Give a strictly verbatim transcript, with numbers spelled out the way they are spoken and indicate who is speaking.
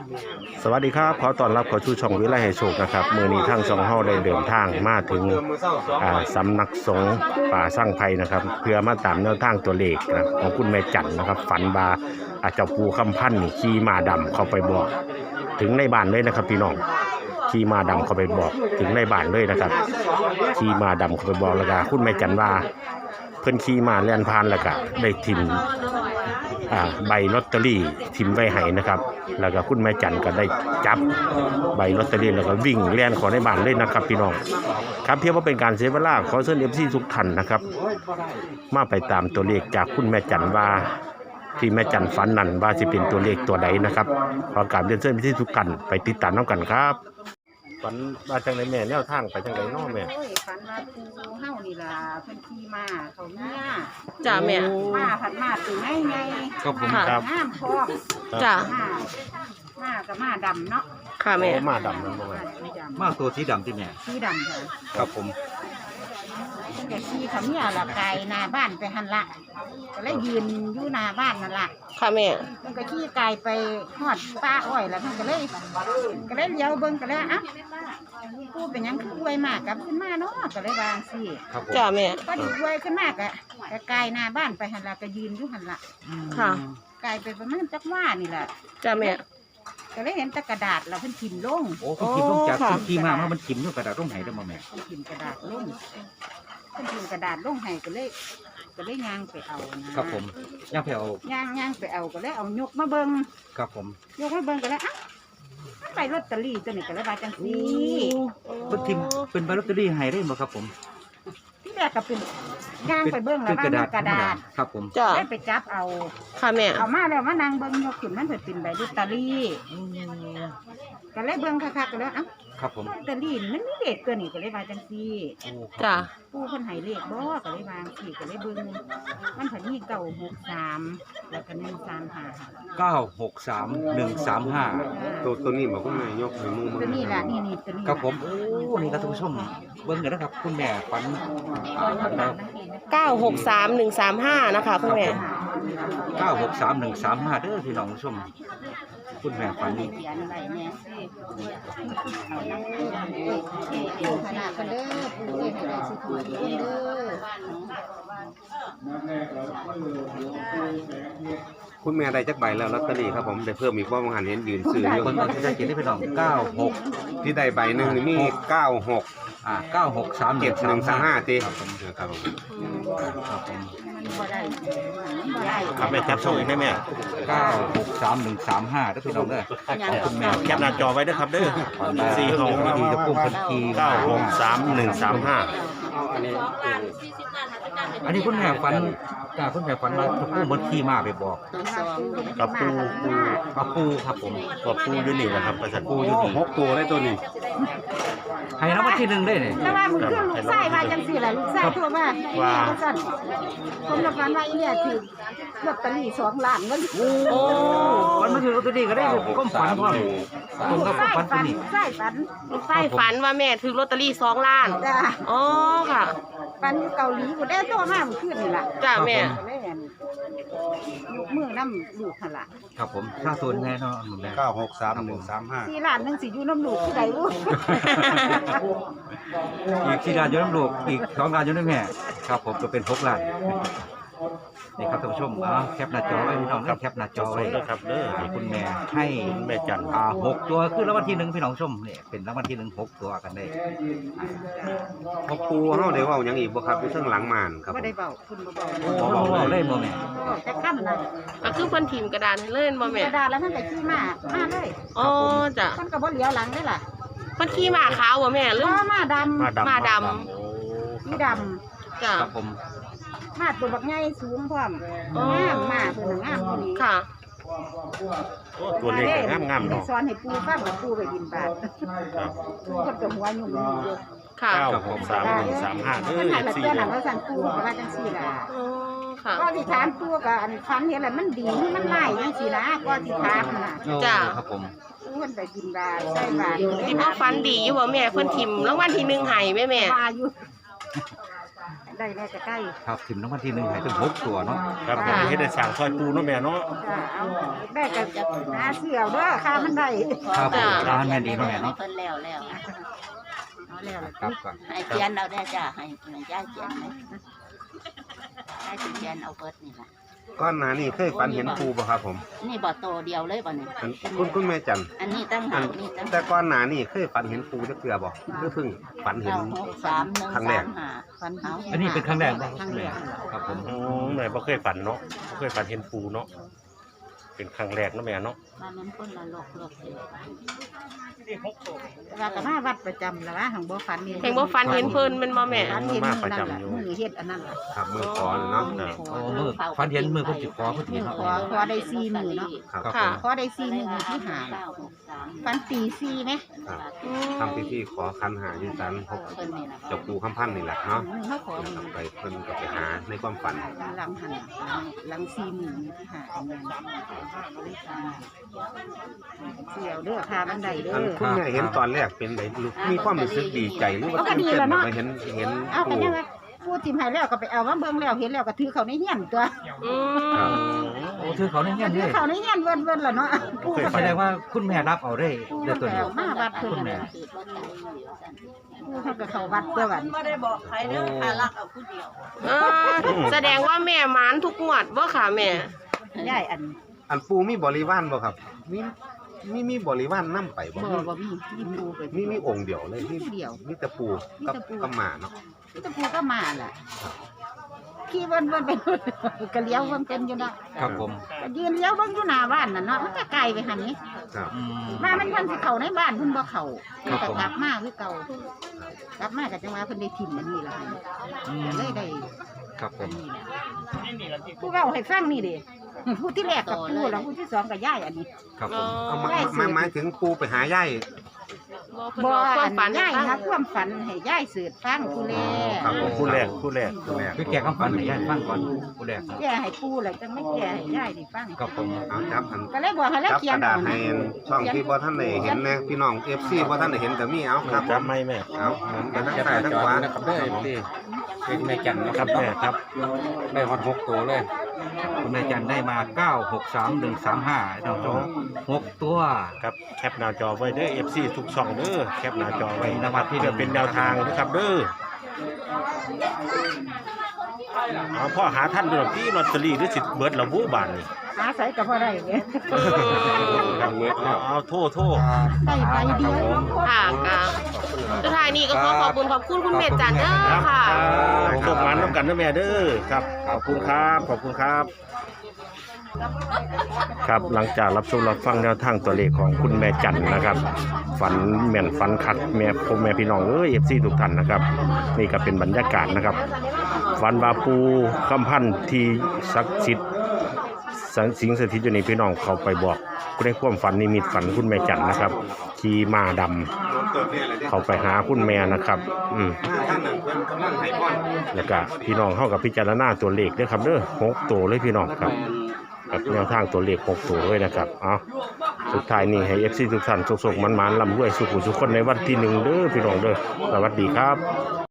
Speaker 1: สวัสดีครับขอต้อนรับเข้าสู่ช่องวิไลให้โชคนะครับมื้อนี้ทางช่องเฮาได้เดินทางมาถึงอ่าสำนักสงฆ์ป่าสร้างไผ่นะครับเพื่อมาตามแนวทางตัวเลขนะของคุณแม่จันนะครับฝันบาอาเจ้าปู่คำพันธ์นี่ขี่ม้าดำเข้าไปบอกถึงในบ้านเลยนะครับพี่น้องขี่ม้าดำเข้าไปบอกถึงในบ้านเลยนะครับขี่ม้าดำเข้าไปบอกแล้วก็คุณแม่จันว่าเพิ่นขี่ม้าแล่นผ่านแล้วก็ได้ทิ่มใบลอตเตอรี่ทิมไว้ให้นะครับแล้วก็คุณแม่จันก็ได้จับใบลอตเตอรี่แล้วก็วิ่งเลียนขอในบ้านเลยนะครับพี่น้องครับเพียงว่าเป็นการเสียเวลาขอเชิญ เอฟ ซี ทุกท่านนะครับมาไปตามตัวเลขจากคุณแม่จันว่าที่แม่จันฝันนั่นว่าสิเป็นตัวเลขตัวใดนะครับขอกราบเรียนเชิญ เอฟ ซี ทุกท่านไปติดตามน้ำกันครับฝันมาจังไหนแม่แนวทางไปจังไหนน้อแม่
Speaker 2: ฝันว่าปูเฮานี่ล่ะเพิ่นขี่มาเขาเนี่ย
Speaker 3: จ้าแม่
Speaker 2: มาผัดมาตัวไงไง
Speaker 1: ครับผมครับ
Speaker 2: งามพร้อม
Speaker 3: จ้า
Speaker 2: มากับมาดำเนาะ
Speaker 3: ค่ะแม่
Speaker 1: มาดำนั่นบ่แม่
Speaker 4: มาตัวสีดำที่แม่
Speaker 2: สีดำค่ะ
Speaker 4: ครับผม
Speaker 2: เพิ่นก็ขี่เขาเนี่ยละไกลหน้าบ้านไปหันละก็เลยยืนอยู่หน้าบ้านนั่นล่ะ
Speaker 3: ค่ะแม่
Speaker 2: เพิ่นก็ขี่ไกลไปฮอดป้าอ้อยแล้วเพิ่นก็เลยก็เลยเลี้ยวเบิ่งก็เลยอ่ะกูเป็นหยังคืออวยมากกับขึ้นมาเนาะก็เลยวางสิ
Speaker 3: จ้าแม่
Speaker 2: ก็ดีอวยขึ้นมากอะก็ไกลหน้าบ้านไปหันละก็ยืนอยู่หันละ
Speaker 3: ค่ะ
Speaker 2: ไกลไปประมาณจักว่านี่แหละ
Speaker 3: จ้าแม่
Speaker 2: ก็เลยเห็นตะกระดาษเราเพิ่นพิมพ์ลง
Speaker 4: โอ้คุณพิมพ์ลงจากที่มามันพิมพ์ด้วยกระดาษลงไหนได้บ่แม่
Speaker 2: เพิ่นพิมพ์กระดาษลงเพิ่นพิมพ์กระดาษลงให้ก็เลยก็เลยย่างไปเอานะครับ
Speaker 4: ผมย่างไปเอา
Speaker 2: ย่างย่างไปเอาก็เลยเอายกมาเบิ่ง
Speaker 4: ครับผม
Speaker 2: ยกมาเบิ่งก็เลยอ่ะใบลอตเตอรี่ตัวนี้ก็เลยว่าจังซี่
Speaker 4: เพิ่นพิมพ์เป็นใบลอตเตอรี่ให้ได้บ่ครับผม
Speaker 2: ที่แรกก็เป็นย่างไปเบิ่งแล้วว่ากระดาษ
Speaker 4: ครับผม
Speaker 3: จ้า
Speaker 2: ได้ไปจับเอา
Speaker 3: ค่ะแม่
Speaker 2: เอามาแล้วมานางเบิ่งยกขึ้นมันเพิ่นเป็นใบลอตเตอรี่ก็เลยเบิ่งคักๆก็เลยเอ้า
Speaker 4: ครับผม
Speaker 2: ลอตเตอรี่มันมีเลขตัวนี้ก็เลยว่าจังซี่
Speaker 3: จ้า
Speaker 2: ผู้คนให้เลขบ่ก็เลยวางสี่ก็เลยเบิ่งมันเพิ่นมีเก้าหกสามแล้วก็หนึ่งสามห้า
Speaker 4: เก้าหกสามหนึ่งสามห้า
Speaker 1: ตัวตัวนี้บอกคุณแม่ยกให้มุม
Speaker 2: ตัวนี้ล่ะนี่นี่ตัวนี้
Speaker 4: ครับผมโอ้นี่ครับท่านผู้ชมเบิ่งกันนะครับคุณแม่ฝัน
Speaker 3: เก้าหกสามหนึ่งสามห้านะคะคุณแม่
Speaker 4: เก้าหกสามหนึ่งสามห้าเด้อพี่น้องผู้ชมคุณแม่ฝัน
Speaker 2: เขียนไว้แน่เอาขนาดกันเด้อปู่เอ้ยให้ได้สิถูกเด้อ
Speaker 1: คุณแม่ได้จักใบแล้วลอตเตอรี่ครับผมได้เพิ่มอีกว่าบางหันเห็นยืนซื้ออยู่
Speaker 4: คนที่ได้เจ็ดที่พี่น้องเก้าหก
Speaker 1: ที่ได้ใบหนึ่งมีเก้าหก
Speaker 4: อ่าเก้าหกสาม
Speaker 1: เจ็ดหนึ่งสามห้าตี
Speaker 4: ครับผมครับผมครับผม
Speaker 1: ครับแม่จับช่องอีกได้ไหม
Speaker 4: เก้าหกสามหนึ่งสามห้าได้พี่น้องเด้อ
Speaker 1: คุณแม่แคปหน้าจอไว้ด้วยครับเด้อสี่หก
Speaker 4: ดีจะพุ่งพันที
Speaker 1: เก้าหกสามหนึ่งสามห้า
Speaker 4: อันนี้คุณแม่ฝันกาคุณแม่ฝันว่าจะพุ่งบนที่มาไปบอก
Speaker 1: กับปูปู
Speaker 4: กับปูครับผม
Speaker 1: กับปูยูนินะครับประสาน
Speaker 4: ปูยูนิ
Speaker 1: หกตัวได้ตัวนี้
Speaker 4: ให้รางวัลที่หนึ่งได้เนี่ย
Speaker 2: แต่ว่ามันขึ้นลูกไส้มาจังสี่แหละลูกไส้ทั่วมาว่าสั่นผมรับฝันว่าอีเนี่ยถือลอตเตอรี่สองล้านเงิน
Speaker 4: โอ้ฝันมาถือลอตเตอรี่ก็ได้ก้มฝันพ่อตรงกับฝันตัวนี้
Speaker 2: ไส้ฝัน
Speaker 3: ไส้ฝันว่าแม่ถือลอตเตอรี่สองล้าน
Speaker 2: จ้า
Speaker 3: อ๋อค่ะ
Speaker 2: ฝันเกาหลีกูได้ตัวมากมันขึ้นนี่แหละ
Speaker 3: จ้าแม่
Speaker 2: ลูกมือน้ำลูกขละ
Speaker 4: ครับผมค่าส่วนแน่นอน
Speaker 1: เก้าหกสามหนึ่งสามห้า
Speaker 2: สี่ล้านหนึ่งสี่อยู่น้ำลูกที่ใดวุ้
Speaker 4: อีกสี่ล้านอยู่น้ำลูกอีกสองล้านอยู่น้ำแม่ครับผมจะเป็นหกล้านนี่ครับท่านผู้ชมอ่าแคปหน้าจอไว้พี่น้องแคปหน้าจอไว้
Speaker 1: ครับเด้อ
Speaker 4: คุณแม่ให้
Speaker 1: แม่จัน
Speaker 4: อ่าหกตัวคือรางวัลที่หนึ่งพี่น้องชมเนี่ยเป็นรางวัลที่หนึ่งหกตัวกันได้
Speaker 1: พอปูเฮาได้เว้าหยังอีกบ่ครับอยู่เทิงหลังม่านครับ
Speaker 2: บ่ได้เว้าคุณบ่
Speaker 4: เว้าบ่เว้าเลยบ่แม่
Speaker 2: แต่ค่ำน่ะ
Speaker 3: ก็คือเพิ่นพิมพ์กระดาษให้เล่นบ่แม่
Speaker 2: กระดาษแล้วมันก็ขี้มามาเลย
Speaker 3: อ๋อจ้ะ
Speaker 2: มันก็บ่เหลียวหลังได้ล่ะ
Speaker 3: เพิ่นขี้มาขาวบ่แม่หรือ
Speaker 2: มาดำ
Speaker 3: มาด
Speaker 2: ำสีด
Speaker 3: ำจ้ะ
Speaker 4: ครับผม
Speaker 2: มาตัวบักใหญ่สูงพร้อมงามมากเพิ่นงามพอดี
Speaker 3: ค่ะ
Speaker 1: ตัวเล็กงามๆเนาะ
Speaker 2: สอนให้ปูฟังว่าปูไปบินบาตครับปูก็ตัวหัวยุ่งอยู่
Speaker 3: ค่ะ
Speaker 1: เก้าหกสามหนึ่งสามห้าเด้อสี่
Speaker 2: เดือนว่าสั่นปูก็ว่าจังซี่ล่ะ
Speaker 3: อ๋อค่ะ
Speaker 2: ก็ที่ถามปูก็อันฟันเห็นแล้วมันดีมันไล่จังซี่นะก็ที่ถามน่ะ
Speaker 3: จ้ะ
Speaker 4: ครับผม
Speaker 2: เพิ่นไปบินบาตใส่บาตร
Speaker 3: ที่พ่อฟันดีอยู่บ่แม่เพิ่นทิมรางวัลที่หนึ่งให้แม่แม่
Speaker 2: มาอยู่ได้แน่จะใกล้
Speaker 4: ครับถิ่มน้ำมันที่หนึ่งให้ถึงหกตัวเนาะ
Speaker 1: ครับเฮ็ดได้สร้างซอยปูเนาะแม่เนาะ
Speaker 2: จ้าเอาได้ก็จะหาเสี่ยวเด้อค่ามันได้
Speaker 4: ครับผมร้านแม่ดีเนาะแม่เนาะ
Speaker 5: เพิ่นแล้วแล้ว
Speaker 2: เอาแล้วล่ะ
Speaker 4: ครับก่อน
Speaker 5: ให้เขียนเอาได้จ้ะให้ให้ย่าเขียนให้ให้สิเขียนเอาเบิดนี่ล่ะ
Speaker 6: ก้อนหนานี่เคยฝันเห็นปูบ่ครับผม
Speaker 5: นี่บ่โตเดียวเลยบ่นี่
Speaker 6: อันคุณคุณแม่จัน
Speaker 5: อันนี้ตั้ง
Speaker 6: อั
Speaker 5: หาน กนี่ตั้ง
Speaker 6: แต่ก้อนหนานี่เคยฝันเห็นปูจักเทื่อบ่หรือเพิ่งฝันเห็น
Speaker 5: เก้าหกสามหนึ่ง
Speaker 6: ครั้งแร
Speaker 5: สาก มห้า
Speaker 2: ฟัน
Speaker 5: เอา
Speaker 4: อันนี้เป็นครั้งแรกบ่
Speaker 2: ครั้งแรก
Speaker 4: ครับผม
Speaker 1: อืมแม่บ่เคยฝันเนาะบ่เคยฝันเห็นปูเนาะเป็นครั้งแรกเนาะแม่เนาะ
Speaker 5: บ้านนั้นคนละโลกโลกเดียว
Speaker 2: ว่าก็มาวัดประจำแล้วว่าหังบ่ฟันนี่
Speaker 3: เห็นบ่ฟันเห็นเพิ่นแมันบ่แม่
Speaker 2: ฟันเห็นมือนั่นล่ะมือเฮ็ดอันนั้นล่ะ
Speaker 6: ครับมือขอเนาะ
Speaker 4: โอ้มือฟันเห็นมือคนจิขอเพิ่น
Speaker 2: มือ
Speaker 4: เนาะ
Speaker 2: ขอขอได้สี่มือเนาะ
Speaker 6: ครับ
Speaker 3: ค่ะ
Speaker 2: ขอได้สี่มือที่หา
Speaker 5: เก้าหกสาม
Speaker 2: ฟันตีสี่ไหม
Speaker 6: ครับ
Speaker 3: อืม
Speaker 6: ทำพิธีขอคันหาอยู่ศาลพบ
Speaker 5: เพิ่นนี่ล่ะ
Speaker 6: เจ้าปู่คำพันธ์นี่แหละเนาะ
Speaker 2: มือเขาขอมือ
Speaker 6: ไปเพิ่นก็ไปหาในความฝัน
Speaker 2: หลังหันหลังสี่มือที่หาอันนั้นเสี่ยวเด้อค่ามันได้เด้
Speaker 6: อัน
Speaker 2: อ
Speaker 6: คุณแม่เห็นตอนแรกเป็นไดลูกมีความรู้สึกดีใจหรือว่า
Speaker 2: เอาก็
Speaker 6: ตื่น
Speaker 2: ดี
Speaker 6: เต้น
Speaker 2: แล้วเนาะ
Speaker 6: ไปเห็นเห็น
Speaker 2: เอากัน
Speaker 6: ปู
Speaker 2: ยังไงพูดทิมให้แล้วก็ไปเอามาเบิ่งแล้วเห็นแล้วก็ถือเขาในเฮียนตัว
Speaker 3: อื
Speaker 6: ครับ
Speaker 3: ม
Speaker 4: โอ้ถือเขาในเงี้ย
Speaker 2: ถื
Speaker 4: เล
Speaker 2: อย เขาในเฮียนเวินเวินล่ะเนาะพูด
Speaker 4: แสดงว่าคุณแม่รับเอาได้
Speaker 2: พูด
Speaker 4: ได้ตัว
Speaker 2: แล้
Speaker 4: นี้
Speaker 2: วมาวัดเพิ่น
Speaker 4: คุณแม่
Speaker 2: น่ะ
Speaker 5: คือรถไถอยู่ซั่น
Speaker 2: พูดเขาก็เข้าวัดตัววัน
Speaker 5: บ่ได้บอกใครเด้อหารักเอาผู้เดียว
Speaker 3: เออแสดงว่าแม่หมานทุกงวดบ่ค่ะแม่
Speaker 2: ย่ายอัน
Speaker 6: อันปูมีบริวารบ่ครับมีมีมีบริวารนำไปบ่
Speaker 2: บ่บ่มีมีปูไป
Speaker 6: มีมีองค์เดียวเลยมี
Speaker 2: เดียว
Speaker 6: มีแต่ปูกับกับหมาเนาะ
Speaker 2: มีแต่ปูก็มาล่ะขี่เวินเวินไปก็เลี้ยวเวินเป็นอยู่เนาะ
Speaker 4: ครับผม
Speaker 2: ก็ยืนเลี้ยวเบิ่งอยู่หน้าบ้านน่ะเนาะมันก็ไกลไปหั่นนี่
Speaker 6: ครับ
Speaker 4: อืม
Speaker 2: มามันเพิ่นสิเข้าในบ้านเพิ่นบ่เข้า
Speaker 4: ครับ
Speaker 2: ก็
Speaker 4: ผม
Speaker 2: กลับมาคือเก่า กลับมาก็จังว่าเพิ่นได้ทิ่มอันนี้ล่ะ
Speaker 4: อืม
Speaker 2: เลยได้
Speaker 4: ครับผม
Speaker 2: ผู้เว้าให้ฟังนี่เด้ผู้ที่แรกกับผู้แล้วผู้ที่สองก็ย่ายอันนี้
Speaker 4: ครับผ
Speaker 3: อ๋อ
Speaker 4: ม
Speaker 6: เอามา
Speaker 2: ได้สิ
Speaker 6: มาหมายถึงปูไปหายาย
Speaker 3: บ่เพิ่น
Speaker 2: บ่
Speaker 3: บอกความฝัน
Speaker 2: ย่าย
Speaker 3: ให้
Speaker 2: นะ
Speaker 3: ฟัง
Speaker 2: ความฝันให้ย่ายสืบฟังผู้แรก
Speaker 6: ครับผม
Speaker 1: ผู้แรกผู้แรก
Speaker 6: ผู้แรก
Speaker 4: คือแกคำฝันให้ญาติฟังก่อนผู้แรก
Speaker 2: แก้ให้ปู่แล้วจังไม่แก้ให้ย่ายได้ฟัง
Speaker 4: ครับผม
Speaker 6: เอาจับอัน
Speaker 2: ก็เลยบอกให้แล้ว
Speaker 6: จับ
Speaker 2: เขีย
Speaker 6: ก
Speaker 2: น
Speaker 6: ระดาษ
Speaker 2: เอา
Speaker 6: ให้ช่องที่บ่ท่านได้เห็นนะพี่น้อง เอฟ ซี บ่ท่านได้เห็นก็มีเอาครับ
Speaker 1: จำไม่แม่
Speaker 6: เอาหมุนไปทางซ้ายทางขวา
Speaker 7: นะครับได้พี่เป็นแม่จันนะ
Speaker 1: ค
Speaker 7: ค
Speaker 1: รั
Speaker 7: รั
Speaker 1: บบ แม่ครับ
Speaker 7: ได้ฮอดหกตัวเลย
Speaker 4: คุณแม่จันได้มาเก้าหกสามหนึ่งสามห้าท่านผู้ชมหกตัว
Speaker 1: ครับแคปหน้าจอไว้เด้อ เอฟ ซี ทุกช่องเด้อแคปหน้าจอไว้
Speaker 4: นวัดที่
Speaker 1: เพื่อเป็นแนวทางนะครับเด้อเอาพ่อหาท่านดูหน่อยพี่ลอตเตอรี่หรือสิเบิร์ดละบูบานนี่
Speaker 2: หาใส่ก็บ่ได้เด้
Speaker 1: เอาเอาโทษโทษ
Speaker 2: ได้ใบเดียว
Speaker 3: ค่ะค่ะสุดท้ายนี้ก็ขอขอบคุณขอบคุณคุณแม่จันเด้อค่ะ
Speaker 1: จบงานร่วมกันนะแม่เด้อครับ ขอบคุณครับ ขอบคุณครับ ครับหลังจากรับชมรับฟังแนวทางตัวเลขของคุณแม่จันนะครับ ฝันแม่นฝันขัดแม่พ่อแม่พี่น้องเอ้ยเอฟซีทุกท่านนะครับ นี่ก็เป็นบรรยากาศนะครับ ฝันว่าปูคำพันธ์ที่ศักดิ์สิทธิ์สังสิงสถิตอยู่ในพี่น้องเขาไปบอกในความฝันนิมิตฝันคุณแม่จันนะครับขี่ม้าดำเขาไปหาคุณแม่นะครับ อืม
Speaker 6: ท่านนั้นเพิ่นกำลังให้พร
Speaker 1: แล้วก็พี่น้องเข้ากับพิจารณาตัวเลขด้วยครับเด้อหกตัวเลยพี่น้องครับกับแนวทางตัวเลขหกตัวเลยนะครับเอาสุดท้ายนี่ให้เอฟซีทุกท่านสุขๆมันๆลำรวยสุขุสุขคนในวันที่หนึ่งเด้อพี่น้องเด้อสวัสดีครับ